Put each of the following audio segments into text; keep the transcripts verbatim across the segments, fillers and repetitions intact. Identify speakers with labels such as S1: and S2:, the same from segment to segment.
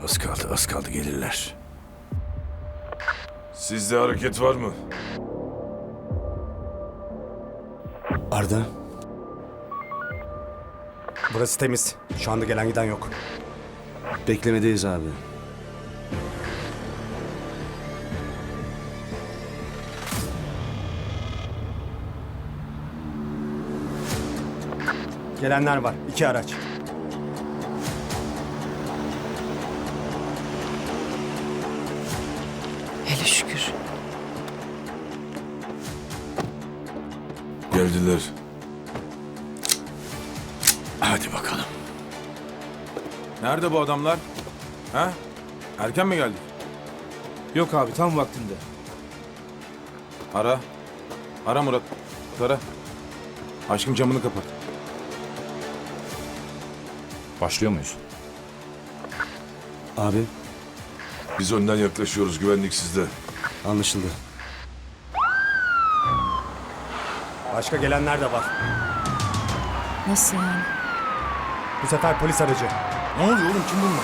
S1: Az kaldı, az kaldı gelirler.
S2: Sizde hareket var mı?
S1: Arda,
S3: Burası temiz. Şu anda gelen giden yok.
S1: beklemedeyiz abi.
S3: Gelenler var. İki araç.
S4: Hele şükür.
S2: Geldiler.
S1: Hadi bakalım.
S5: Nerede bu adamlar? Ha? Erken mi geldik?
S6: Yok abi tam vaktinde.
S5: Ara. Ara Murat. Ara. Aşkım camını kapat.
S6: Başlıyor muyuz?
S1: Abi,
S2: Biz önden yaklaşıyoruz. Güvenlik sizde.
S1: anlaşıldı.
S3: Başka gelenler de var.
S4: Nasıl yani?
S3: Bu sefer polis aracı.
S5: Ne oluyor oğlum? Kim bunlar?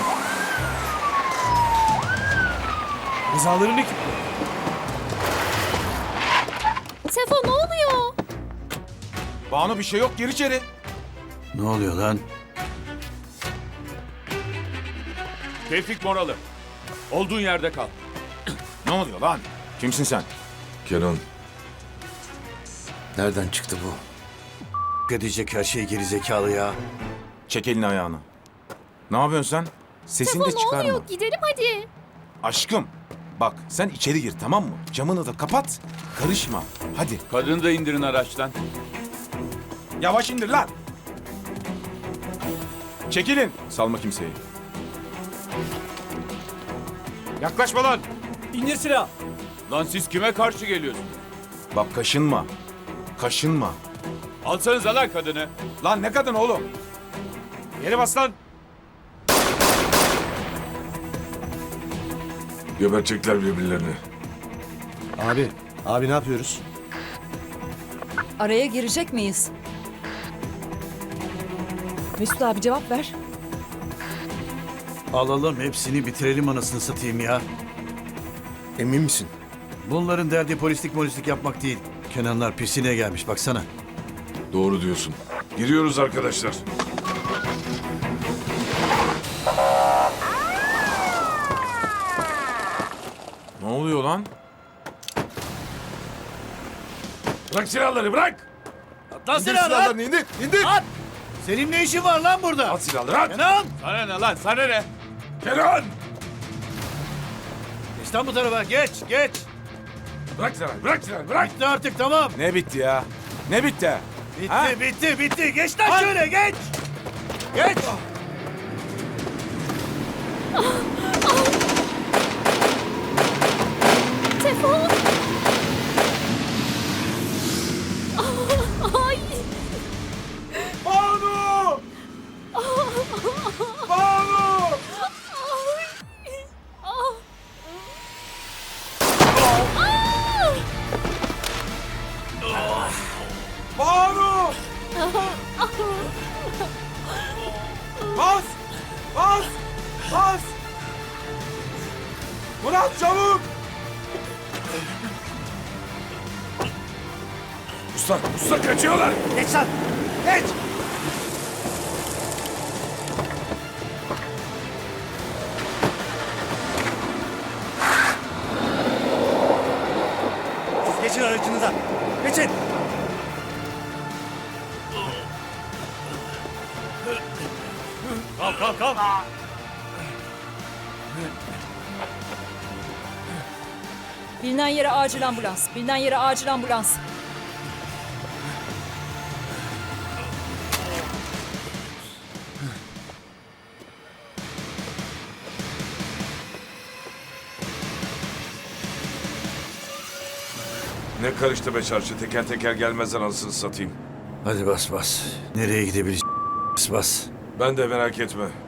S6: Rızaların ekibi.
S7: Sefo ne oluyor?
S5: Banu bir şey yok. Gir içeri.
S1: Ne oluyor lan?
S6: Tevfik Moralı. Olduğun yerde kal.
S5: Ne oluyor lan? Kimsin sen?
S2: Kenan.
S1: Nereden çıktı bu? Edecek her şey gerizekalı ya.
S5: Çek elini ayağını. Ne yapıyorsun sen? Sesini
S7: Sefo
S5: de
S7: ne
S5: çıkarma.
S7: oluyor? Gidelim hadi.
S5: Aşkım. Bak sen içeri gir tamam mı? Camını da kapat. Karışma. Hadi.
S6: Kadını da indirin araçtan.
S5: Yavaş indir lan. Çekilin. Salma kimseyi.
S6: Yaklaşma lan. İndir silah. Lan siz kime karşı geliyorsunuz?
S5: Bak kaşınma. Kaşınma.
S6: Alsanıza lan kadını.
S5: Lan ne kadın oğlum?
S6: Yere bas lan.
S2: Gebertecekler birbirlerini.
S1: Abi, abi ne yapıyoruz?
S4: Araya girecek miyiz? Mesut abi cevap ver.
S8: Alalım hepsini bitirelim anasını satayım ya.
S1: Emin misin?
S8: Bunların derdi polislik molislik yapmak değil. Kenanlar pisine gelmiş baksana.
S2: Doğru diyorsun. Giriyoruz arkadaşlar.
S5: Ne oluyor lan?
S2: Bırak silahları bırak.
S8: Lan
S2: İndir silahlarını indir. İndir.
S8: Senin ne işin var lan burada?
S2: At silahları at.
S8: Kenan!
S6: Sana ne lan sana ne?
S2: Kenan.
S8: Geç lan bu tarafa geç geç.
S2: Bırak silahları bırak silahları bırak.
S8: Bitti artık tamam.
S5: Ne bitti ya? Ne bitti?
S8: Bitti
S5: Ha?
S8: bitti bitti. Geç lan şöyle geç. Geç.
S7: Sefo. Ay.
S5: Banu! Banu!
S7: Ah.
S5: Banu! Bas! Bas! Bas! Murat çabuk!
S2: Usta, usta kaçıyorlar.
S8: Geç lan. Geç.
S3: Siz geçin aracınıza. Geçin.
S8: Kalk kalk kalk.
S4: Bilinen yere acil ambulans. Bilinen yere acil ambulans.
S2: Ne karıştı be çarşı. Teker teker gelmezler anasını satayım.
S8: Hadi bas bas. Nereye gidebiliriz? Bas bas.
S2: Ben de merak etme.